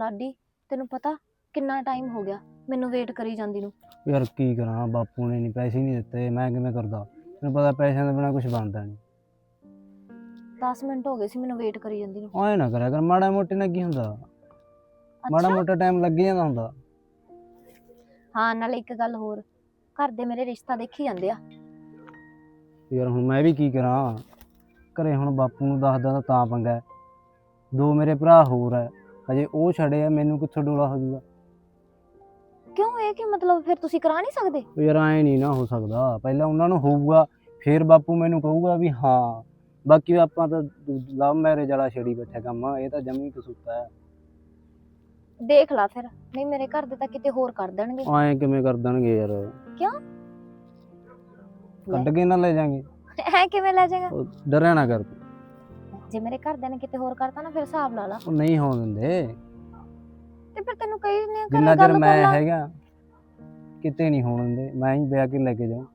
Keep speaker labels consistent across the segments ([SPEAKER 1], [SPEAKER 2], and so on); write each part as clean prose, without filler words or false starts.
[SPEAKER 1] ਲਾਡੀ ਤੈਨੂੰ ਪਤਾ ਕਿੰਨਾ ਟਾਈਮ ਹੋ ਗਿਆ ਮੈਨੂੰ ਵੇਟ ਕਰੀ ਜਾਂਦੀ ਨੂੰ।
[SPEAKER 2] ਯਾਰ ਕੀ ਕਰਾਂ, ਬਾਪੂ ਨੇ ਨਹੀਂ ਪੈਸੇ ਨਹੀਂ ਦਿੱਤੇ, ਮੈਂ ਕਿਵੇਂ ਕਰਦਾ। ਤੈਨੂੰ ਪਤਾ ਪੈਸਿਆਂ ਦੇ ਬਿਨਾਂ ਕੁਝ ਬਣਦਾ ਨਹੀਂ।
[SPEAKER 1] 10 ਮਿੰਟ ਹੋ ਗਏ ਸੀ ਮੈਨੂੰ ਵੇਟ ਕਰੀ ਜਾਂਦੀ ਨੂੰ।
[SPEAKER 2] ਐਂ ਨਾ ਕਰਿਆ ਕਰ, ਮਾੜਾ ਮੋਟੇ ਨਾਲ ਕੀ ਹੁੰਦਾ, ਮਾੜਾ
[SPEAKER 1] ਅੱਛਾ
[SPEAKER 2] ਮੋਟਾ ਟਾਈਮ ਲੱਗ ਜਾਂਦਾ ਹੁੰਦਾ।
[SPEAKER 1] ਹਾਂ, ਨਾਲੇ ਇੱਕ ਗੱਲ ਹੋਰ, ਘਰ ਦੇ ਮੇਰੇ ਰਿਸ਼ਤਾ ਦੇਖੀ ਜਾਂਦੇ ਆ।
[SPEAKER 2] ਯਾਰ ਹੁਣ ਮੈਂ ਵੀ ਕੀ ਕਰਾਂ, ਘਰੇ ਹੁਣ ਬਾਪੂ ਨੂੰ ਦੱਸਦਾ ਤਾਂ ਪੰਗਾ ਹੈ। 2 ਮੇਰੇ ਭਰਾ ਹੋਰ ਹੈ, ਹਜੇ ਉਹ ਛੜੇ ਆ, ਮੈਨੂੰ ਕਿੱਥੋਂ ਡੋਲਾ ਹੋ ਜਾਊਗਾ।
[SPEAKER 1] ਕਿਉਂ, ਇਹ ਕੀ ਮਤਲਬ, ਫਿਰ ਤੁਸੀਂ ਕਰਾ ਨਹੀਂ ਸਕਦੇ?
[SPEAKER 2] ਯਾਰ ਐਂ ਨਹੀਂ ਨਾ ਹੋ ਸਕਦਾ, ਪਹਿਲਾਂ ਉਹਨਾਂ ਨੂੰ ਹੋਊਗਾ ਫਿਰ ਬਾਪੂ ਮੈਨੂੰ ਕਹੂਗਾ ਵੀ ਹਾਂ। ਬਾਕੀ ਆਪਾਂ ਤਾਂ ਲਵ ਮੈਰਿਜ ਵਾਲਾ ਛੇੜੀ ਬੈਠਾ ਕੰਮ, ਇਹ ਤਾਂ ਜਮੀ ਕਸੂਤਾ ਹੈ।
[SPEAKER 1] ਦੇਖ ਲਾ ਫਿਰ, ਨਹੀਂ ਮੇਰੇ ਘਰ ਦੇ ਤਾਂ ਕਿਤੇ ਹੋਰ ਕਰ ਦੇਣਗੇ।
[SPEAKER 2] ਐਂ ਕਿਵੇਂ ਕਰ ਦੇਣਗੇ ਯਾਰ,
[SPEAKER 1] ਕਿਉਂ?
[SPEAKER 2] ਕੱਢ ਕੇ ਨਾ ਲੈ ਜਾਾਂਗੇ।
[SPEAKER 1] ਐ ਕਿਵੇਂ ਲੈ ਜਾਏਗਾ?
[SPEAKER 2] ਡਰਿਆ ਨਾ ਕਰ ਤੂੰ।
[SPEAKER 1] ਜੇ ਮੇਰੇ ਘਰਦਿਆਂ ਨੇ ਕਿਤੇ ਹੋਰ ਕਰਤਾ ਨਾ, ਫਿਰ ਹਿਸਾਬ ਲਾ ਲਾ।
[SPEAKER 2] ਉਹ ਨਹੀਂ ਹੋਣ ਦਿੰਦੇ,
[SPEAKER 1] ਤੇ ਫਿਰ ਤੈਨੂੰ ਕਹੀ ਨਹੀਂ
[SPEAKER 2] ਜਿੰਨਾ ਚਿਰ ਮੈਂ ਹੈਗਾ ਕਿਤੇ ਨਹੀਂ ਹੋਣ ਦਿੰਦੇ, ਮੈਂ ਹੀ ਵਿਆਹ ਕੇ ਲੈ ਕੇ ਜਾਊਂ।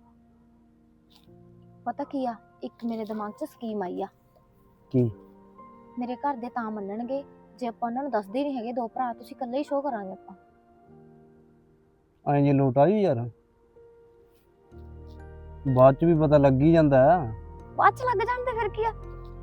[SPEAKER 1] ਪਤਾ ਕੀ ਆ, ਇੱਕ ਮੇਰੇ ਦਿਮਾਗ 'ਚ ਸਕੀਮ ਆਈ ਆ।
[SPEAKER 2] ਕੀ?
[SPEAKER 1] ਮੇਰੇ ਘਰ ਦੇ ਤਾਂ ਮੰਨਣਗੇ ਜੇ ਆਪਾਂ ਉਹਨਾਂ ਨੂੰ ਦੱਸਦੇ ਨਹੀਂ ਹੈਗੇ 2 ਭਰਾ, ਤੁਸੀਂ ਇਕੱਲੇ ਹੀ ਸ਼ੋਅ ਕਰਾਂਗੇ ਆਪਾਂ।
[SPEAKER 2] ਐਂ ਜੇ ਲੋਟ ਆਈ ਯਾਰ, ਬਾਅਦ ਚ ਵੀ ਪਤਾ ਲੱਗ ਹੀ ਜਾਂਦਾ।
[SPEAKER 1] ਬਾਅਦ 'ਚ ਲੱਗ ਜਾਣ ਤੇ ਫਿਰ ਕੀ ਆ,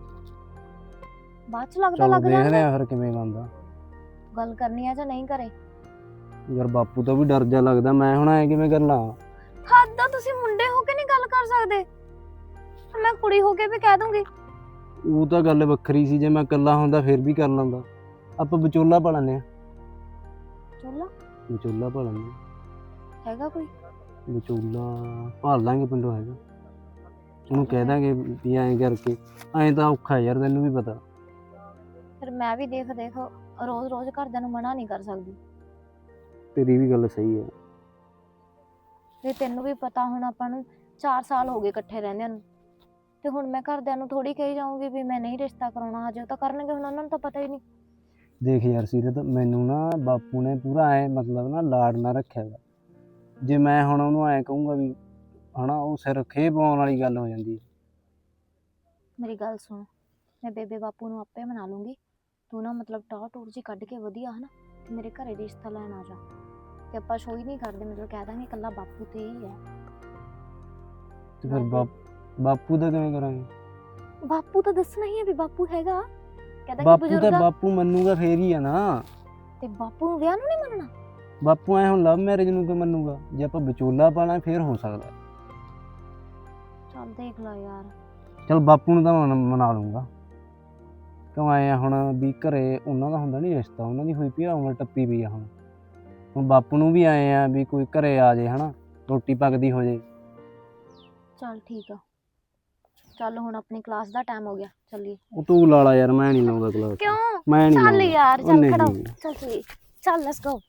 [SPEAKER 1] ਬਾਅਦ 'ਚ ਲੱਗਦਾ
[SPEAKER 2] ਚਲੋ
[SPEAKER 1] ਲੱਗ
[SPEAKER 2] ਦੇਖਦੇ
[SPEAKER 1] ਜਾਂਦਾ।
[SPEAKER 2] ਆ ਫਿਰ ਕਿਵੇਂ ਬਣਦਾ।
[SPEAKER 1] ਗੱਲ ਕਰਨੀ ਆ ਜਾਂ ਨਹੀਂ ਕਰੇ?
[SPEAKER 2] ਯਾਰ ਬਾਪੂ ਤੋਂ ਵੀ ਡਰ ਜਾ ਲੱਗਦਾ, ਮੈਂ ਹੁਣ ਐ ਕਿਵੇਂ ਕਰ ਲਾਂ।
[SPEAKER 1] ਹੱਦ ਆ, ਤੁਸੀਂ ਮੁੰਡੇ ਹੋ ਕੇ ਨਹੀਂ ਗੱਲ ਕਰ ਸਕਦੇ? ਮੈਂ ਕੁੜੀ ਹੋ ਕੇ ਵੀ ਕਹਿ ਦੂੰਗੀ।
[SPEAKER 2] ਉਹ ਤਾਂ ਗੱਲ ਵੱਖਰੀ ਸੀ, ਜੇ ਮੈਂ ਇਕੱਲਾ ਹੁੰਦਾ ਫਿਰ ਵੀ ਕਰ ਲੈਂਦਾ। ਆਪਾਂ ਵਿਚੋਲਾ ਪਾ ਲੈਂਦੇ ਆ।
[SPEAKER 1] ਚੋਲਾ
[SPEAKER 2] ਵਿਚੋਲਾ ਪਾ ਲੈਂਦੇ
[SPEAKER 1] ਹੈਗਾ ਕੋਈ?
[SPEAKER 2] ਵਿਚੋਲਾ ਭਾਲ ਲਾਂਗੇ, ਪਿੰਡੋਂ ਹੈਗਾ। ਉਹਨੂੰ ਕਹਿ ਦਾਂਗੇ ਵੀ ਐਂ ਕਰਕੇ, ਐਂ ਤਾਂ ਔਖਾ ਯਾਰ, ਤੈਨੂੰ ਵੀ ਪਤਾ।
[SPEAKER 1] ਫਿਰ ਮੈਂ ਵੀ ਦੇਖ ਰੋਜ਼ ਰੋਜ਼ ਘਰਦਿਆਂ ਨੂੰ ਮਨਾ ਨਹੀਂ ਕਰ ਸਕਦੀ।
[SPEAKER 2] ਤੇਰੀ ਵੀ ਗੱਲ ਸਹੀ ਹੈ।
[SPEAKER 1] ਤੇ ਤੈਨੂੰ ਵੀ ਪਤਾ, ਹੁਣ ਆਪਾਂ ਨੂੰ 4 ਸਾਲ ਹੋ ਗਏ ਇਕੱਠੇ ਰਹਿੰਦਿਆਂ ਨੂੰ, ਤੇ ਹੁਣ ਮੈਂ ਘਰਦਿਆਂ ਨੂੰ ਥੋੜੀ ਕਹੀ ਜਾਊਂਗੀ ਵੀ ਮੈਂ ਨਹੀਂ ਰਿਸ਼ਤਾ ਕਰਾਉਣਾ। ਹਜੇ ਉਹ ਤਾਂ ਕਰਨਗੇ, ਹੁਣ ਉਹਨਾਂ ਨੂੰ ਤਾਂ ਪਤਾ ਹੀ ਨਹੀਂ।
[SPEAKER 2] ਦੇਖ ਯਾਰ ਸੀਰਤ, ਮੈਨੂੰ ਨਾ ਬਾਪੂ ਨੇ ਪੂਰਾ ਐ ਮਤਲਬ ਨਾ ਲਾਡ ਨਾ ਰੱਖਿਆ ਵਾ। ਜੇ ਮੈਂ ਹੁਣ ਉਹਨੂੰ ਐਂ ਕਹੂੰਗਾ ਵੀ ਹਨਾ, ਉਹ ਸਿਰ ਖੇਹ ਪਾਉਣ ਵਾਲੀ ਗੱਲ ਹੋ ਜਾਂਦੀ ਹੈ।
[SPEAKER 1] ਮੇਰੀ ਗੱਲ ਸੁਣ, ਮੈਂ ਬੇਬੇ ਬਾਪੂ ਨੂੰ ਆਪੇ ਮਨਾ ਲੂੰਗੀ। ਤੂੰ ਨਾ ਮਤਲਬ ਟੌਰ ਟੂਰ ਜੀ ਕੱਢ ਕੇ ਵਧੀਆ ਹਨਾ, ਤੇ ਮੇਰੇ ਘਰੇ ਰਿਸ਼ਤਾ ਲੈਣ ਆ ਜਾ। ਤੇ ਆਪਾਂ ਸ਼ੋਅ ਹੀ ਨਹੀਂ ਕਰਦੇ, ਮਤਲਬ ਕਹਿ ਦਾਂਗੇ ਇਕੱਲਾ ਬਾਪੂ ਤੇ ਹੀ ਹੈ।
[SPEAKER 2] ਤੇ ਫਿਰ ਬਾਪੂ ਦਾ ਕਿਵੇਂ ਕਰਾਂਗੇ?
[SPEAKER 1] ਬਾਪੂ ਤਾਂ ਦੱਸਣਾ ਹੀ ਹੈ ਵੀ ਬਾਪੂ ਹੈਗਾ, ਕਹਿੰਦਾ ਕਿ
[SPEAKER 2] ਬਾਪੂ ਤਾਂ
[SPEAKER 1] ਬਜ਼ੁਰਗ ਆ।
[SPEAKER 2] ਬਾਪੂ ਮੰਨੂਗਾ ਫੇਰ ਹੀ ਆ ਨਾ।
[SPEAKER 1] ਤੇ ਬਾਪੂ ਨੂੰ ਵਿਆਹ ਨੂੰ ਨਹੀਂ ਮੰਨਣਾ?
[SPEAKER 2] ਬਾਪੂ ਐ ਹੁਣ ਲਵ ਮੈਰਿਜ ਨੂੰ ਕਿਉਂ ਮੰਨੂਗਾ? ਜੇ ਆਪਾਂ ਵਿਚੋਲਾ ਪਾਣਾ ਫੇਰ ਹੋ ਸਕਦਾ।
[SPEAKER 1] ਚੱਲ ਦੇਖ ਲਾ ਯਾਰ।
[SPEAKER 2] ਚਲ ਬਾਪੂ ਨੂੰ ਤਾਂ ਮਨਾ ਲੂੰਗਾ, ਕਿਉਂ ਆਏ ਆ ਹੁਣ ਵੀ ਘਰੇ ਉਹਨਾਂ ਦਾ ਹੁੰਦਾ ਨਹੀਂ ਰਿਸ਼ਤਾ, ਉਹਨਾਂ ਦੀ ਹੋਈ ਪਈ ਆ, ਉਮਰ ਟੱਪੀ ਪਈ ਆ। ਹੁਣ ਬਾਪੂ ਨੂੰ ਵੀ ਆਏ ਆ ਵੀ ਕੋਈ ਘਰੇ ਆ ਜੇ ਹਨਾ, ਰੋਟੀ ਪੱਕਦੀ ਹੋ ਜੇ।
[SPEAKER 1] ਚੱਲ ਠੀਕ ਆ, ਚੱਲ ਹੁਣ ਆਪਣੀ ਕਲਾਸ ਦਾ ਟਾਈਮ ਹੋ ਗਿਆ, ਚੱਲੀਏ।
[SPEAKER 2] ਉਹ ਤੂੰ ਲਾ ਲਾ ਯਾਰ, ਮੈਂ ਨਹੀਂ ਲਾਉਂਦਾ ਕਲਾਸ।
[SPEAKER 1] ਕਿਉਂ?
[SPEAKER 2] ਮੈਂ ਨਹੀਂ
[SPEAKER 1] ਚੱਲ
[SPEAKER 2] ਲਾਉਂਦਾ
[SPEAKER 1] ਯਾਰ,
[SPEAKER 2] ਉਹ
[SPEAKER 1] ਚੱਲ
[SPEAKER 2] ਨਹੀਂ।
[SPEAKER 1] ਖੜਾ ਹੋ, ਚੱਲ ਚੱਲੀਏ, ਚੱਲ ਲੈਟਸ ਗੋ।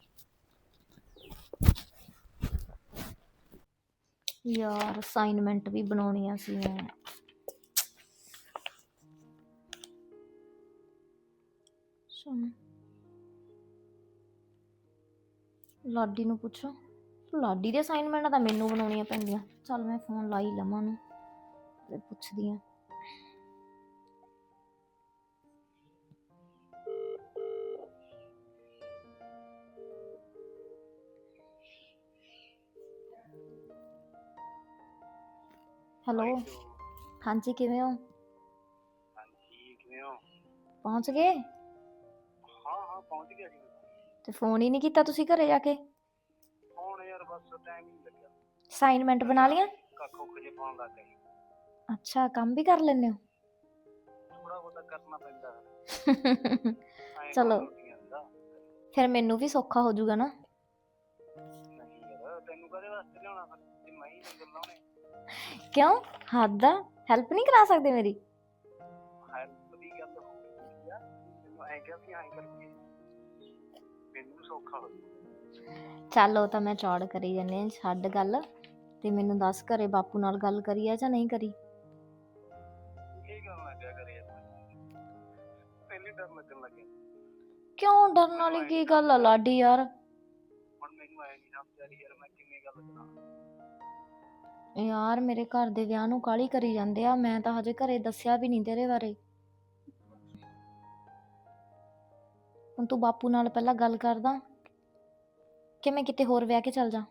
[SPEAKER 1] ਯਾਰ ਅਸਾਈਨਮੈਂਟ ਵੀ ਬਣਾਉਣੀਆਂ ਸੀ ਮੈਂ। ਸੁਣ, ਲਾਡੀ ਨੂੰ ਪੁੱਛੋ। ਲਾਡੀ ਦੇ ਅਸਾਈਨਮੈਂਟਾਂ ਤਾਂ ਮੈਨੂੰ ਬਣਾਉਣੀਆਂ ਪੈਂਦੀਆਂ। ਚੱਲ ਮੈਂ ਫੋਨ ਲਾ ਹੀ ਲਵਾਂ ਉਹਨੂੰ ਤੇ ਪੁੱਛਦੀ ਹਾਂ। ਹੈਲੋ, ਹਾਂਜੀ ਕਿਵੇਂ ਹੋ?
[SPEAKER 2] ਹਾਂਜੀ ਕਿਵੇਂ ਹੋ?
[SPEAKER 1] ਪਹੁੰਚ ਗਏ?
[SPEAKER 2] ਹਾਂ ਪਹੁੰਚ ਗਿਆ ਜੀ।
[SPEAKER 1] ਤੇ ਫੋਨ ਹੀ ਨਹੀਂ ਕੀਤਾ ਤੁਸੀਂ ਘਰੇ ਜਾ ਕੇ?
[SPEAKER 2] ਫੋਨ ਯਾਰ ਬਸ ਟਾਈਮ ਨਹੀਂ ਲੱਗਿਆ।
[SPEAKER 1] ਅਸਾਈਨਮੈਂਟ ਬਣਾ ਲਿਆ?
[SPEAKER 2] ਕੱਖ ਜੇ ਪਾਉਣ ਲੱਗ ਗਈ।
[SPEAKER 1] ਅੱਛਾ, ਕੰਮ ਵੀ ਕਰ ਲੈਂਦੇ ਹੋ?
[SPEAKER 2] ਥੋੜਾ ਬਹੁਤਾ ਕਰਨਾ ਪੈਂਦਾ।
[SPEAKER 1] ਚਲੋ ਫਿਰ ਮੈਨੂੰ ਵੀ ਸੌਖਾ ਹੋ ਜਾਊਗਾ ਨਾ।
[SPEAKER 2] ਨਹੀਂ ਯਾਰ, ਤੈਨੂੰ ਕਦੇ ਵਾਸਤੇ ਲਿਆਉਣਾ ਫਿਰ, ਜੇ ਮੈਂ ਹੀ ਨੰਬਰ ਲਾਉਣੇ।
[SPEAKER 1] ਕਿਉਂ, ਹੱਦ ਆ, ਹੈਲਪ ਨਹੀਂ ਕਰਾ ਸਕਦੇ ਮੇਰੀ?
[SPEAKER 2] ਹੈਲਪ ਦੀ ਗੱਲ ਹੋਈ ਆ, ਤੈਨੂੰ ਐਂ ਕਿਹਾ ਵੀ ਐਂ ਕਰਕੇ ਮੈਨੂੰ ਸੌਖਾ ਹੋ ਜਾਊ।
[SPEAKER 1] ਚੱਲ ਉਹ ਤਾਂ ਮੈਂ ਚੌੜ ਕਰੀ ਜਾਂਦੇ ਆ, ਛੱਡ ਗੱਲ। ਤੇ ਮੈਨੂੰ ਦੱਸ, ਘਰੇ ਬਾਪੂ ਨਾਲ ਗੱਲ ਕਰੀ ਆ ਜਾਂ ਨਹੀਂ ਕਰੀ?
[SPEAKER 2] ਕੀ ਗੱਲ ਨਾ ਕਿਆ ਕਰੀ ਯਾਰ, ਪਹਿਲੇ ਡਰ ਲੱਗਣ ਲੱਗੇ।
[SPEAKER 1] ਕਿਉਂ, ਡਰਨ ਵਾਲੀ ਕੀ ਗੱਲ ਆ ਲਾਡੀ ਯਾਰ?
[SPEAKER 2] ਹੁਣ ਮੈਨੂੰ ਐ ਨਹੀਂ ਸਮਝ ਆ ਰਹੀ ਯਾਰ, ਮੈਂ ਕਿਵੇਂ ਗੱਲ ਕਰਾਂ।
[SPEAKER 1] ਯਾਰ ਮੇਰੇ ਘਰ ਦੇ ਵਿਆਹ ਨੂੰ ਕਾਹਲੀ ਕਰੀ ਜਾਂਦੇ ਆ, ਮੈਂ ਤਾਂ ਹਜੇ ਘਰੇ ਦੱਸਿਆ ਵੀ ਨਹੀਂ ਤੇਰੇ ਬਾਰੇ। ਹੁਣ ਤੂੰ ਬਾਪੂ ਨਾਲ ਪਹਿਲਾਂ ਗੱਲ ਕਰਦਾ ਕਿ ਮੈਂ ਕਿਤੇ ਹੋਰ ਵਿਆਹ ਕੇ ਚੱਲ ਜਾ।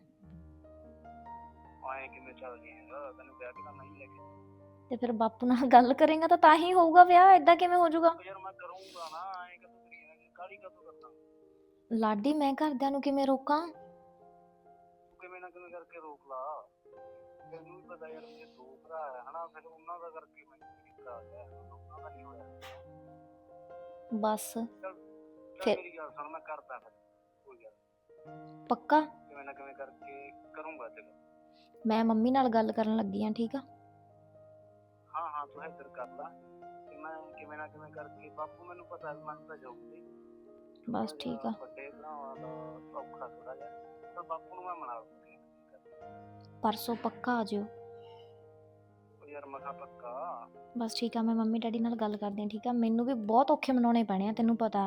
[SPEAKER 2] ਆਏ ਕਿਵੇਂ ਚੱਲ ਜੀ ਯਾਰ, ਤੈਨੂੰ ਵਿਆਹ ਕੇ ਤਾਂ ਨਹੀਂ ਲੈ ਕੇ
[SPEAKER 1] ਤੇ ਫਿਰ ਬਾਪੂ ਨਾਲ ਗੱਲ ਕਰੇਗਾ ਤਾਂ ਹੀ ਹੋਊਗਾ ਵਿਆਹ, ਏਦਾਂ ਕਿਵੇਂ ਹੋ ਜਾਊਗਾ?
[SPEAKER 2] ਯਾਰ ਮੈਂ ਕਰੂੰਗਾ ਨਾ, ਐਂ ਕਦੋਂ ਕਰੀ ਜਾਣਾ, ਕਾਹਲੀ ਕਦੋਂ ਕਰਦਾ।
[SPEAKER 1] ਲਾਡੀ ਮੈਂ ਘਰਦਿਆਂ ਨੂੰ ਕਿਵੇਂ ਰੋਕਾਂ?
[SPEAKER 2] ਤੂੰ ਕਿਵੇਂ ਨਾ ਕਿਵੇਂ ਕਰਕੇ ਰੋਕ ਲਾ। ਤੈਨੂੰ ਵੀ ਪਤਾ ਯਾਰ ਮੇਰੇ ਦੋ ਭਰਾ ਆ ਹਨਾ, ਫਿਰ ਉਹਨਾਂ ਦਾ ਕਰਕੇ ਮੈਨੂੰ ਤਰੀਕਾ ਆ ਗਿਆ, ਉਹਨਾਂ ਦਾ ਨਹੀਂ ਹੋਇਆ।
[SPEAKER 1] ਬਸ
[SPEAKER 2] ਚੱਲ
[SPEAKER 1] ਫਿਰ-
[SPEAKER 2] ਮੇਰੀ ਗੱਲ ਸੁਣ, ਮੈਂ ਕਰਦਾ ਫਿਰ ਕੋਈ ਗੱਲ
[SPEAKER 1] ਪੱਕਾ?
[SPEAKER 2] ਕਿਵੇਂ ਨਾ ਕਿਵੇਂ ਕਰਕੇ ਕਰੂੰਗਾ ਤੇਰਾ।
[SPEAKER 1] ਮੈਂ ਮੰਮੀ ਨਾਲ ਗੱਲ ਕਰਨ ਲੱਗੀ ਆ, ਠੀਕ ਆ?
[SPEAKER 2] ਹਾਂ ਹਾਂ ਤੂੰ ਇੱਧਰ ਕਰ ਲਾ ਤੇ ਮੈਂ ਕਿਵੇਂ ਨਾ ਕਿਵੇਂ ਕਰਕੇ, ਬਾਪੂ ਮੈਨੂੰ ਪਤਾ ਵੀ ਮੰਨ ਤਾਂ ਜਾਊਗੀ।
[SPEAKER 1] ਬਸ ਠੀਕ ਆ।
[SPEAKER 2] ਵੱਡੇ ਭਰਾਵਾਂ ਦਾ ਔਖਾ ਥੋੜਾ ਜਿਹਾ, ਤਾਂ ਬਾਪੂ ਨੂੰ ਮੈਂ ਮਨਾ ਲੂੰਗੀ।
[SPEAKER 1] ਪਰਸੋਂ ਪੱਕਾ ਆ ਜਿਓ।
[SPEAKER 2] ਉਹ ਯਾਰ ਮੈਂ ਕਿਹਾ ਪੱਕਾ।
[SPEAKER 1] ਬਸ ਠੀਕ ਆ, ਮੈਂ ਮੰਮੀ ਡੈਡੀ ਨਾਲ ਗੱਲ ਕਰਦੀ ਆ, ਠੀਕ ਆ? ਮੈਨੂੰ ਵੀ ਬਹੁਤ ਔਖੇ ਮਨਾਉਣੇ ਪੈਣੇ ਆ, ਤੈਨੂੰ ਪਤਾ।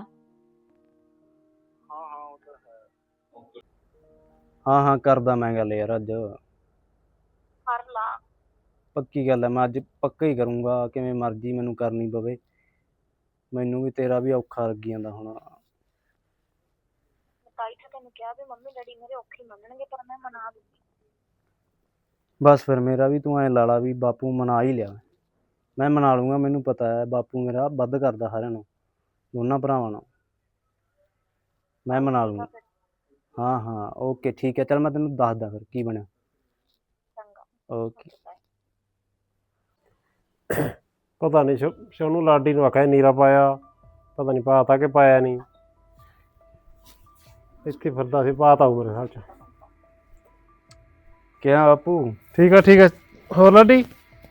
[SPEAKER 2] ਹਾਂ ਹਾਂ ਉਹ ਤਾਂ ਹੈ। ਹਾਂ ਹਾਂ ਕਰਦਾ ਮੈਂ ਗੱਲ ਯਾਰ, ਅੱਜ
[SPEAKER 1] ਕਰ ਲਾ।
[SPEAKER 2] ਪੱਕੀ ਗੱਲ ਹੈ, ਮੈਂ ਅੱਜ ਪੱਕਾ ਹੀ ਕਰੂੰਗਾ, ਕਿਵੇਂ ਮਰਜ਼ੀ ਮੈਨੂੰ ਕਰਨੀ ਪਵੇ। ਮੈਨੂੰ ਵੀ ਤੇਰਾ ਵੀ ਔਖਾ ਲੱਗੀ ਜਾਂਦਾ ਹੁਣ।
[SPEAKER 1] ਤਾਈ ਤਾਂ ਤੈਨੂੰ ਕਿਹਾ ਵੀ ਮੰਮੀ ਡੈਡੀ ਮੇਰੇ ਔਖੇ ਮੰਨਣਗੇ, ਪਰ ਮੈਂ ਮਨਾ ਦੂੰਗੀ।
[SPEAKER 2] ਬਸ ਫਿਰ ਮੇਰਾ ਵੀ ਤੂੰ ਐਂ ਲਾ ਲਾ ਵੀ ਬਾਪੂ ਮਨਾ ਹੀ ਲਿਆ, ਮੈਂ ਮਨਾ ਲੂੰਗਾ। ਮੈਨੂੰ ਪਤਾ ਹੈ ਬਾਪੂ ਮੇਰਾ ਵੱਧ ਕਰਦਾ ਸਾਰਿਆਂ ਨੂੰ, ਦੋਨਾਂ ਭਰਾਵਾਂ ਨੂੰ। ਮੈਂ ਮਨਾ ਲੂੰਗਾ। ਹਾਂ ਹਾਂ ਓਕੇ ਠੀਕ ਹੈ, ਚੱਲ ਮੈਂ ਤੈਨੂੰ ਦੱਸਦਾ ਫਿਰ ਕੀ ਬਣਿਆ। ਓਕੇ।
[SPEAKER 3] ਪਤਾ ਨਹੀਂ ਸ਼ੋਨੂੰ ਲਾਡੀ ਨੂੰ ਆਖਿਆ ਨੀਰਾ ਪਾਇਆ, ਪਤਾ ਨਹੀਂ ਪਾਤਾ ਕਿ ਪਾਇਆ ਨਹੀਂ। ਇੱਥੇ ਫਿਰਦਾ ਸੀ, ਪਾਤਾ ਹੋਊ ਮੇਰੇ ਹਿਸਾਬ ਚ।
[SPEAKER 2] ਕਿਆ ਬਾਪੂ?
[SPEAKER 3] ਠੀਕ ਆ ਠੀਕ ਆ। ਹੋਰ ਲਾਡੀ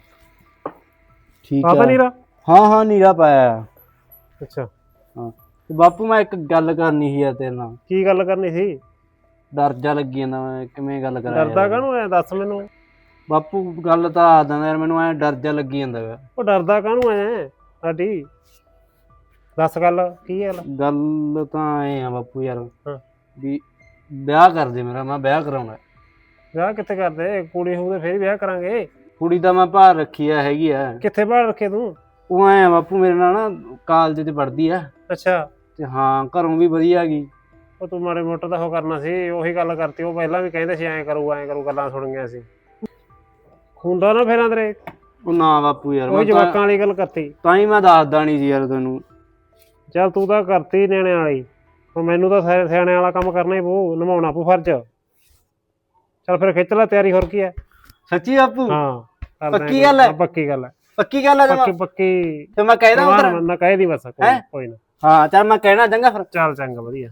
[SPEAKER 2] ਠੀਕ
[SPEAKER 3] ਪਾਤਾ
[SPEAKER 2] ਆ।
[SPEAKER 3] ਨੀਰਾ?
[SPEAKER 2] ਹਾਂ ਹਾਂ ਨੀਰਾ ਪਾਇਆ।
[SPEAKER 3] ਅੱਛਾ
[SPEAKER 2] ਹਾਂ ਤੇ ਬਾਪੂ ਮੈਂ ਇੱਕ ਗੱਲ ਕਰਨੀ ਸੀ ਯਾਰ ਤੇਰੇ ਨਾਲ।
[SPEAKER 3] ਕੀ ਗੱਲ ਕਰਨੀ ਸੀ?
[SPEAKER 2] ਡਰ ਜਾ ਲੱਗੀ ਜਾਂਦਾ, ਮੈਂ ਕਿਵੇਂ ਗੱਲ ਕਰਾਂ?
[SPEAKER 3] ਡਰਦਾ ਕਾਹਨੂੰ ਐ, ਦੱਸ ਮੈਨੂੰ।
[SPEAKER 2] ਬਾਪੂ ਗੱਲ ਤਾਂ ਆ ਦਿੰਦਾ ਯਾਰ, ਮੈਨੂੰ ਐ ਡਰ ਜਾ ਲੱਗੀ ਜਾਂਦਾ ਗਾ।
[SPEAKER 3] ਉਹ ਡਰਦਾ ਕਾਹਨੂੰ ਐ ਲਾਡੀ, ਦੱਸ ਗੱਲ ਕੀ ਗੱਲ?
[SPEAKER 2] ਗੱਲ ਤਾਂ ਐ ਆ ਬਾਪੂ ਯਾਰ
[SPEAKER 3] ਹਾਂ।
[SPEAKER 2] ਵੀ ਵਿਆਹ ਕਰ ਦੇ ਮੇਰਾ, ਮੈਂ ਵਿਆਹ ਕਰਾਉਣਾ।
[SPEAKER 3] ਵਿਆਹ ਕਿੱਥੇ ਕਰਦੇ? ਕੁੜੀ ਹੋਊ ਤੇ ਫੇਰ ਵਿਆਹ ਕਰਾਂਗੇ।
[SPEAKER 2] ਕੁੜੀ ਤਾਂ ਮੈਂ ਭਾਰ ਰੱਖੀ ਆ, ਹੈਗੀ ਆ।
[SPEAKER 3] ਕਿੱਥੇ ਬਾਹਰ ਰੱਖੇ ਤੂੰ?
[SPEAKER 2] ਉਹ ਐ ਆ ਬਾਪੂ ਮੇਰੇ ਨਾਲ ਨਾ ਕਾਲਜ 'ਚ ਪੜ੍ਹਦੀ ਆ
[SPEAKER 3] ਅੱਛਾ
[SPEAKER 2] ਤੇ ਹਾਂ ਘਰੋਂ ਵੀ ਵਧੀਆ ਗਈ।
[SPEAKER 3] ਉਹ ਤੂੰ ਮਾੜੇ ਮੋਟਾ ਦਾ ਉਹ ਕਰਨਾ ਸੀ, ਉਹੀ ਗੱਲ ਕਰਤੀ। ਉਹ ਪਹਿਲਾਂ ਵੀ ਕਹਿੰਦੇ ਸੀ ਐਂ ਕਰੂ ਗੱਲਾਂ ਸੁਣ ਗਈਆਂ ਸੀ। ਹੁੰਦਾ ਨਾ ਫੇਰ ਅੰਦਰੇ।
[SPEAKER 2] ਉਹ ਨਾ ਬਾਪੂ ਯਾਰ,
[SPEAKER 3] ਉਹ ਜਵਾਕਾਂ ਵਾਲੀ ਗੱਲ ਕਰਤੀ,
[SPEAKER 2] ਤਾਂ ਹੀ ਮੈਂ ਦੱਸਦਾ ਨਹੀਂ ਸੀ ਯਾਰ ਤੈਨੂੰ।
[SPEAKER 3] ਚੱਲ ਤੂੰ ਤਾਂ ਕਰਤੀ ਨਿਆਣੇ ਵਾਲੀ, ਹੁਣ ਮੈਨੂੰ ਤਾਂ ਸਿਆਣੇ ਵਾਲਾ ਕੰਮ ਕਰਨਾ ਹੀ ਪਊ, ਨਿਭਾਉਣਾ ਪਊ ਫਰਜ਼। ਚੱਲ ਫਿਰ ਖਿੱਚ ਲੈ ਤਿਆਰੀ, ਹੋਰ ਕੀ ਹੈ।
[SPEAKER 2] ਸੱਚੀ ਬਾਪੂ?
[SPEAKER 3] ਹਾਂ
[SPEAKER 2] ਪੱਕੀ ਗੱਲ ਹੈ?
[SPEAKER 3] ਪੱਕੀ ਗੱਲ ਹੈ,
[SPEAKER 2] ਪੱਕੀ ਗੱਲ ਹੈ?
[SPEAKER 3] ਪੱਕੀ ਪੱਕੀ।
[SPEAKER 2] ਤੇ ਮੈਂ ਕਹਿਦਾ ਉਧਰ
[SPEAKER 3] ਨਾ ਕਹਿ ਦੀ ਬਸ, ਕੋਈ ਨਾ।
[SPEAKER 2] ਹਾਂ ਚੱਲ ਮੈਂ ਕਹਿਣਾ ਚੰਗਾ ਫਿਰ।
[SPEAKER 3] ਚੱਲ ਚੰਗਾ ਵਧੀਆ।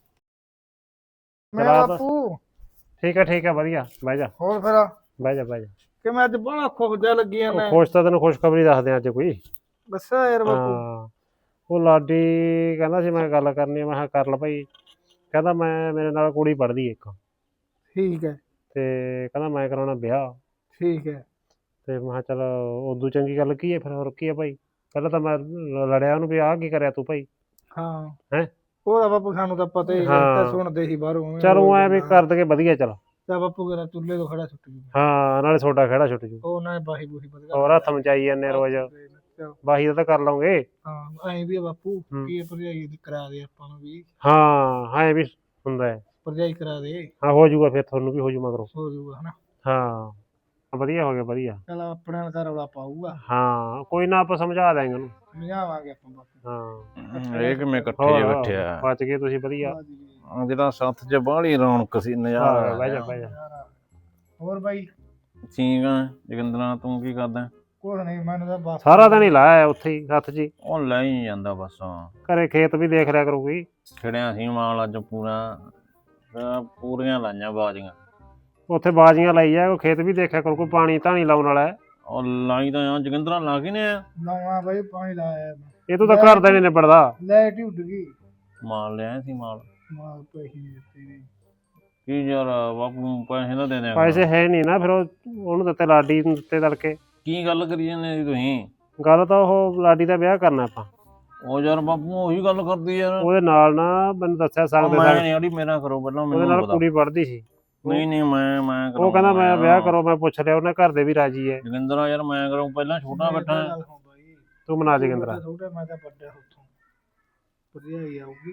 [SPEAKER 4] ਮੈਂ ਬਾਪੂ
[SPEAKER 3] ਠੀਕ ਹੈ ਵਧੀਆ। ਬਹਿ ਜਾ
[SPEAKER 4] ਹੋਰ ਫਿਰ
[SPEAKER 3] ਬਹਿ ਜਾ ਬਹਿ ਜਾ।
[SPEAKER 4] ਕਿ ਮੈਂ ਅੱਜ ਬੜਾ ਖੁਸ਼ ਜਿਹਾ ਲੱਗੀ ਆ। ਮੈਂ
[SPEAKER 3] ਖੁਸ਼ ਤਾਂ ਤੈਨੂੰ ਖੁਸ਼ਖਬਰੀ ਦੱਸਦੇ ਅੱਜ ਕੋਈ।
[SPEAKER 4] ਦੱਸਿਆ ਯਾਰ ਬਾਪੂ।
[SPEAKER 3] ਹਾਂ ਉਹ ਲਾਡੀ ਕਹਿੰਦਾ ਸੀ ਮੈਂ ਗੱਲ ਕਰਨੀ ਆ, ਮੈਂ ਕਿਹਾ ਕਰ ਲਾ ਭਾਈ। ਕਹਿੰਦਾ ਮੈਂ ਮੇਰੇ ਨਾਲ ਕੁੜੀ ਪੜ੍ਹਦੀ ਇੱਕ,
[SPEAKER 4] ਠੀਕ ਹੈ
[SPEAKER 3] ਤੇ ਕਹਿੰਦਾ ਮੈਂ ਕਰਾਉਣਾ ਵਿਆਹ।
[SPEAKER 4] ਠੀਕ ਹੈ
[SPEAKER 3] ਤੇ ਮੈਂ ਕਿਹਾ ਚੱਲ ਉਦੋਂ ਚੰਗੀ ਗੱਲ ਕੀ ਹੈ ਫਿਰ, ਹੋਰ ਕੀ ਹੈ ਭਾਈ। ਪਹਿਲਾਂ ਤਾਂ ਮੈਂ ਲੜਿਆ ਉਹਨੂੰ ਵੀ ਆਹ ਕੀ ਕਰਿਆ ਤੂੰ ਭਾਈ।
[SPEAKER 4] ਹਾਂ
[SPEAKER 3] ਹੈਂ?
[SPEAKER 4] ਉਹਦਾ ਬਾਪੂ ਸਾਨੂੰ ਤਾਂ ਪਤਾ ਹੀ, ਤਾਂ ਸੁਣਦੇ ਸੀ ਬਾਹਰੋਂ।
[SPEAKER 3] ਚਲ ਉਹ ਐ ਵੀ ਕਰ ਦਗੇ ਵਧੀਆ। ਚੱਲ
[SPEAKER 4] ਤਾਂ ਬਾਪੂ ਕਹਿੰਦਾ ਚੁੱਲ੍ਹੇ ਤੋਂ ਖੜਾ ਛੁੱਟ ਜੂ।
[SPEAKER 3] ਹਾਂ ਨਾਲੇ ਛੋਟਾ ਖੜਾ ਛੁੱਟ ਜੂ।
[SPEAKER 4] ਉਹ ਉਹਨਾਂ ਨੇ ਬਾਹੀ ਬੂਹੀ ਵਧੀਆ
[SPEAKER 3] ਹੋਰ ਹੱਥ ਮਚਾਈ ਜਾਂਦੇ ਰੋਜ਼, ਬਾਹੀ ਦਾ ਤਾਂ ਕਰ ਲਵਾਂਗੇ।
[SPEAKER 4] ਹਾਂ ਐਂ ਵੀ ਆ ਬਾਪੂ, ਕੀ ਭਰਜਾਈ ਕਰਾ ਦੇ ਆਪਾਂ ਨੂੰ ਵੀ।
[SPEAKER 3] ਹਾਂ ਐ ਵੀ ਹੁੰਦਾ ਹੈ,
[SPEAKER 4] ਭਰਜਾਈ ਕਰਾ ਦੇ।
[SPEAKER 3] ਹਾਂ ਹੋ ਜਾਊਗਾ ਫਿਰ, ਤੁਹਾਨੂੰ ਵੀ ਹੋ ਜੂ ਮਗਰੋਂ।
[SPEAKER 4] ਹੋ ਜੂਗਾ ਹਨਾ।
[SPEAKER 3] ਹਾਂ ਵਧੀਆ ਹੋ ਗਿਆ ਵਧੀਆ।
[SPEAKER 4] ਚਲ ਆਪਣੇ ਨਾਲ ਤਾਂ ਰੌਲਾ ਪਾਊਗਾ।
[SPEAKER 3] ਹਾਂ ਕੋਈ ਨਾ, ਆਪਾਂ ਸਮਝਾ ਦਾਂਗੇ ਉਹਨੂੰ।
[SPEAKER 4] ਸਮਝਾਵਾਂਗੇ ਆਪਾਂ ਬਾਪੂ।
[SPEAKER 3] ਹਾਂ
[SPEAKER 5] ਇਹ ਕਿਵੇਂ ਇਕੱਠੇ ਜੇ ਬੈਠੇ ਆ?
[SPEAKER 3] ਬਚ ਗਏ ਤੁਸੀਂ ਵਧੀਆ।
[SPEAKER 5] ਜਿਹੜਾ ਸੱਥ 'ਚ ਬਾਹਲੀ ਰੌਣਕ ਸੀ, ਨਜ਼ਾਰਾ।
[SPEAKER 3] ਬਹਿ ਜਾ ਬਹਿ ਜਾ।
[SPEAKER 4] ਹੋਰ ਬਾਈ?
[SPEAKER 5] ਠੀਕ ਆ ਜੋਗਿੰਦਰਾ, ਤੂੰ ਕੀ ਕਰਦਾ?
[SPEAKER 4] ਕੁਛ ਨਹੀਂ, ਮੈਨੂੰ ਤਾਂ ਬਸ
[SPEAKER 3] ਸਾਰਾ ਦਿਨ ਹੀ ਲਾਇਆ ਉੱਥੇ ਹੀ ਹੱਥ 'ਚ।
[SPEAKER 5] ਉਹ ਲੈ ਹੀ ਜਾਂਦਾ ਬਸ।
[SPEAKER 3] ਘਰੇ ਖੇਤ ਵੀ ਦੇਖ ਰਿਆ ਕਰੂਗੀ।
[SPEAKER 5] ਖੜਿਆ ਸੀ ਮਾਲ ਅੱਜ ਪੂਰਾ, ਪੂਰੀਆਂ ਲਾਈਆਂ ਬਾਜੀਆਂ।
[SPEAKER 3] ਉੱਥੇ ਬਾਜੀਆਂ ਲਾਈ ਆ, ਖੇਤ ਵੀ ਦੇਖਿਆ ਕਰੂ, ਕੋਈ ਪਾਣੀ ਧਾਣੀ ਲਾਉਣ ਵਾਲਾ ਹੈ।
[SPEAKER 5] ਉਹ ਲਾਈ ਤਾਂ ਆ ਜੋਗਿੰਦਰਾ, ਲਾ ਕੇ ਨੇ ਆ
[SPEAKER 4] ਲਾਉਣਾ ਬਾਈ, ਪਾਣੀ ਲਾਇਆ।
[SPEAKER 3] ਇਹ ਤੂੰ ਤਾਂ ਘਰ ਦਾ ਨਹੀਂ ਨਿਬੜਦਾ।
[SPEAKER 4] ਲਾਈਟ ਹੀ ਉੱਡ ਗਈ।
[SPEAKER 5] ਮਾਲ ਲਿਆ ਸੀ ਮਾਲ।
[SPEAKER 4] ਮਾਲ ਪੈਸੇ ਨਹੀਂ ਦਿੱਤੇ ਨੇ।
[SPEAKER 5] ਕੀ ਯਾਰ ਬਾਪੂ ਪੈਸੇ ਤਾਂ ਦੇ ਦਿਆਂ।
[SPEAKER 3] ਪੈਸੇ ਹੈ ਨਹੀਂ ਨਾ, ਫਿਰ ਉਹਨੂੰ ਦਿੱਤੇ, ਲਾਡੀ ਨੂੰ ਦਿੱਤੇ ਤੜਕੇ।
[SPEAKER 5] ਕੀ ਗੱਲ ਕਰੀ ਜਾਂਦੇ ਜੀ ਤੁਸੀਂ?
[SPEAKER 3] ਗੱਲ ਤਾਂ ਉਹ ਲਾਡੀ ਦਾ ਵਿਆਹ ਕਰਨਾ ਆਪਾਂ।
[SPEAKER 5] ਉਹ ਯਾਰ ਬਾਪੂ ਉਹੀ ਗੱਲ ਕਰਦੀ ਯਾਰ।
[SPEAKER 3] ਉਹਦੇ ਨਾਲ ਨਾ ਮੈਨੂੰ ਦੱਸਿਆ ਸਕਦੇ
[SPEAKER 5] ਮੈਂ ਨਹੀਂ ਅੜੀ, ਮੇਰਾ ਕਰੋ ਪਹਿਲਾਂ,
[SPEAKER 3] ਉਹਦੇ
[SPEAKER 5] ਮੈਨੂੰ
[SPEAKER 3] ਨਾਲ
[SPEAKER 5] ਪਤਾ।
[SPEAKER 3] ਕੁੜੀ ਪੜ੍ਹਦੀ ਸੀ।
[SPEAKER 5] ਨਹੀਂ ਮੈਂ
[SPEAKER 3] ਉਹ ਕਹਿੰਦਾ ਮੈਂ ਵਿਆਹ ਕਰੋ, ਮੈਂ ਪੁੱਛ ਲਿਆ, ਉਹਨੇ ਘਰ ਦੇ ਵੀ ਰਾਜੀ ਹੈ।
[SPEAKER 5] ਜੋਗਿੰਦਰਾ ਯਾਰ ਮੈਂ ਕਰਾਂ, ਪਹਿਲਾਂ ਛੋਟਾ ਬੈਠਾ।
[SPEAKER 3] ਤੂੰ ਮਨਾ ਜੋਗਿੰਦਰਾ।
[SPEAKER 4] ਛੋਟਾ ਮੈਂ ਤਾਂ ਵੱਡਾ ਉੱਥੋਂ। ਭਰਜਾਈ ਆਊਗੀ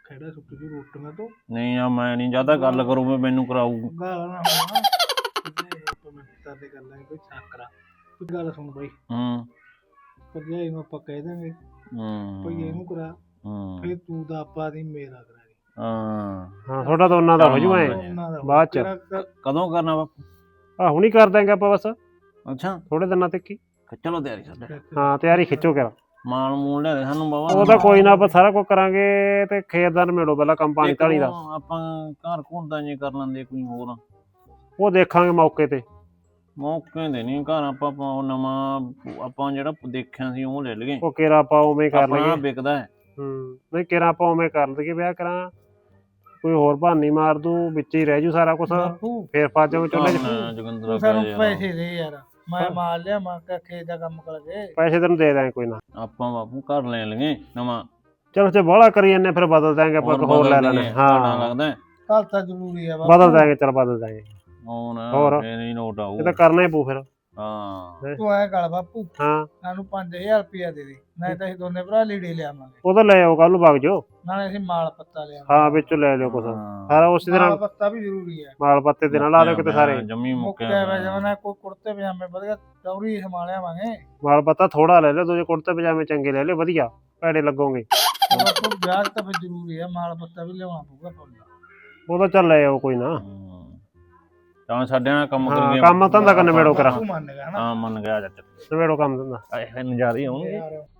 [SPEAKER 4] ਖੜਾ ਸੁੱਟ ਜੂ ਰੋਟੀਆਂ ਤੋਂ
[SPEAKER 5] ਨਹੀਂ ਆ ਮੈਂ ਨਹੀਂ ਜਿਆਦਾ ਗੱਲ ਕਰੂ ਮੈਂ ਮੈਨੂੰ ਕਰਾਊ।
[SPEAKER 4] ਗਾਲਾਂ ਨਾ ਹੋਣਾ ਆਪਾਂ ਮਿੱਤਰ ਦੇ ਕਰ ਲਾਂਗੇ ਕੋਈ ਸਾਕਰਾ ਤੂੰ ਗੱਲ ਸੁਣ ਬਾਈ ਭਰਜਾਈ ਨੂੰ ਆਪਾਂ ਕਹਿ ਦਾਂਗੇ ਭਈ ਇਹਨੂੰ ਕਰਾ ਫਿਰ ਤੂੰ ਦਾ ਆਪਾਂ ਦੀ ਮੇਰਾ ਕਰਾ ਦੇ
[SPEAKER 3] ਹਾਂ ਤੁਹਾਡਾ ਤਾਂ ਉਹਨਾਂ ਦਾ ਹੋ ਜੂ ਐ
[SPEAKER 4] ਉਹਨਾਂ ਦਾ
[SPEAKER 3] ਬਾਅਦ ਚ
[SPEAKER 5] ਕਦੋਂ ਕਰਨਾ ਬਾਪੂ?
[SPEAKER 3] ਆ ਹੁਣੀ ਕਰ ਦਾਂਗੇ ਆਪਾਂ ਬਸ
[SPEAKER 5] ਅੱਛਾ
[SPEAKER 3] ਥੋੜੇ ਦਿਨਾਂ ਤੱਕ ਹੀ।
[SPEAKER 5] ਚਲੋ ਤਿਆਰੀ ਸਾਡੇ
[SPEAKER 3] ਹਾਂ ਤਿਆਰੀ ਖਿੱਚੋ ਕਰ
[SPEAKER 5] ਮਾਲ ਮੂਲ ਲਿਆ ਦੇ ਸਾਨੂੰ ਬਾਬਾ।
[SPEAKER 3] ਉਹ ਤਾਂ ਕੋਈ ਨਾ ਆਪਾਂ ਸਾਰਾ ਕੁਝ ਕਰਾਂਗੇ ਤੇ ਖੇਤ ਦਾ ਨਿਬੇੜੋ ਪਹਿਲਾਂ ਕੰਮ ਪਾਣੀ ਧਾਣੀ ਦਾ।
[SPEAKER 5] ਆਪਾਂ ਘਰ ਘੁੰਦਾ ਜੇ ਕਰ ਲੈਂਦੇ ਕੋਈ ਹੋਰ
[SPEAKER 3] ਉਹ ਦੇਖਾਂਗੇ ਮੌਕੇ ਤੇ।
[SPEAKER 5] ਮੌਕੇ ਦੇ ਨਹੀਂ ਘਰ ਆਪਾਂ ਉਹ ਨਵਾਂ ਆਪਾਂ ਜਿਹੜਾ ਦੇਖਿਆ ਸੀ ਉਹ ਲੈ ਲਈਏ।
[SPEAKER 3] ਉਹ ਕੇਰਾ ਆਪਾਂ ਉਵੇਂ ਹੀ ਕਰ
[SPEAKER 5] ਆਪਣਾ
[SPEAKER 3] ਲਈਏ।
[SPEAKER 5] ਵਿਕਦਾ ਹੈ।
[SPEAKER 3] ਨਹੀਂ ਕੇਰਾ ਆਪਾਂ ਉਵੇਂ ਕਰ ਲਈਏ ਵਿਆਹ ਕਰਾਂ ਕੋਈ ਹੋਰ ਬਹਾਨੀ ਮਾਰ ਦੂ ਵਿੱਚ ਹੀ ਰਹਿ ਜੂ ਸਾਰਾ ਕੁਝ
[SPEAKER 4] ਬਾਪੂ
[SPEAKER 3] ਫੇਰ ਫਸ ਜਾਊ ਚੁੱਲ੍ਹੇ 'ਚ।
[SPEAKER 5] ਜੋਗਿੰਦਰ
[SPEAKER 4] ਤੂੰ ਸਾਨੂੰ ਪੈਸੇ ਦੇ ਯਾਰ ਮੈਂ ਮਾਲ ਲਿਆ ਮੈਂ ਕਿਹਾ ਖੇਤ ਦਾ ਕੰਮ ਕਰ ਗਏ
[SPEAKER 3] ਪੈਸੇ ਤੈਨੂੰ ਦੇ ਦਾਂਗੇ ਕੋਈ ਨਾ।
[SPEAKER 5] ਆਪਾਂ ਬਾਪੂ ਘਰ ਲੈ ਲਈਏ ਨਵਾਂ।
[SPEAKER 3] ਚਲੋ ਤੇ ਬਾਹਲਾ ਕਰੀ ਜਾਂਦੇ ਫਿਰ ਬਦਲ ਦਾਂਗੇ ਆਪਾਂ ਹੋਰ ਲੈ ਲੈਣੇ। ਹਾਂ
[SPEAKER 5] ਲੱਗਦਾ
[SPEAKER 4] ਕੱਲ ਤਾਂ ਜ਼ਰੂਰੀ ਆ
[SPEAKER 3] ਬਦਲ ਦਾਂਗੇ ਚਲ ਬਦਲ ਦਾਂਗੇ।
[SPEAKER 5] ਹੋਰ ਫੇਰ ਹੀ ਨੋਟ ਆਊ।
[SPEAKER 3] ਇਹ ਤਾਂ ਕਰਨਾ ਹੀ ਪਊ ਫਿਰ।
[SPEAKER 5] ਹਾਂ
[SPEAKER 4] ਤੂੰ ਐ ਕਰ ਬਾਪੂ
[SPEAKER 3] ਹਾਂ
[SPEAKER 4] ਸਾਨੂੰ 5000 ਰੁਪਇਆ ਦੇ ਦੇ ਨਹੀਂ ਤਾਂ ਅਸੀਂ ਦੋਨੇ ਭਰਾ ਲੀੜੇ ਲਿਆਵਾਂਗੇ
[SPEAKER 3] ਉਹ ਤਾਂ ਲੈ ਆਓ ਕੱਲ ਨੂੰ ਵਗ ਜਾਓ।
[SPEAKER 4] ਨਾਲੇ ਅਸੀਂ ਮਾਲ ਪੱਤਾ ਲਿਆਵਾਂਗੇ
[SPEAKER 3] ਹਾਂ ਵਿੱਚੋਂ ਲੈ ਲਿਓ ਕੁਛ ਸਾਰਾ ਉਸੇ
[SPEAKER 4] ਮਾਲ
[SPEAKER 3] ਨਾਲ
[SPEAKER 4] ਪੱਤਾ ਵੀ ਜ਼ਰੂਰੀ ਹੈ
[SPEAKER 3] ਮਾਲ ਪੱਤੇ ਦੇ ਨਾਲ ਲਾ ਦਿਓ ਕਿਤੇ ਸਾਰੇ।
[SPEAKER 5] ਜੰਮੀ
[SPEAKER 4] ਮੁੱਕਿਆ ਵਾ ਜਮਨਾ ਕੋਈ ਕੁੜਤੇ ਪਜਾਮੇ ਵਧੀਆ ਚੌਰੀ ਸੰਭਾਲਿਆਵਾਂਗੇ
[SPEAKER 3] ਮਾਲ ਪੱਤਾ ਥੋੜਾ ਲੈ ਲਿਓ ਦੂਜੇ ਕੁੜਤੇ ਪਜਾਮੇ ਚੰਗੇ ਲੈ ਲਿਓ ਵਧੀਆ ਭੈੜੇ ਲੱਗੋਗੇ।
[SPEAKER 4] ਬਾਪੂ ਵਿਆਹ ਤਾਂ ਫਿਰ ਜ਼ਰੂਰੀ ਹੈ ਮਾਲ ਪੱਤਾ ਵੀ ਲਿਆਉਣਾ ਪਊਗਾ ਪੁੱਲ
[SPEAKER 3] ਉਹ ਤਾਂ ਚੱਲ ਲੈ ਆਓ ਕੋਈ ਨਾ।
[SPEAKER 5] ਤਾਂ ਸਾਡੇ ਨਾਲ ਕੰਮ
[SPEAKER 3] ਹਾਂ
[SPEAKER 5] ਕਰੀਏ।
[SPEAKER 3] ਕੰਮ ਧੰਦਾ ਕਰ ਨਿਬੇੜੋ ਕਰਾਂ।
[SPEAKER 4] ਤੂੰ ਮੰਨ ਗਿਆ ਹਨਾ
[SPEAKER 5] ਹਾਂ ਮੰਨ ਗਿਆ ਚਾਚਾ।
[SPEAKER 3] ਨਿਬੇੜੋ ਕੰਮ ਧੰਦਾ।
[SPEAKER 5] ਆਏ ਨਜ਼ਾਰੇ ਆਉਣਗੇ।
[SPEAKER 4] ਯਾਰ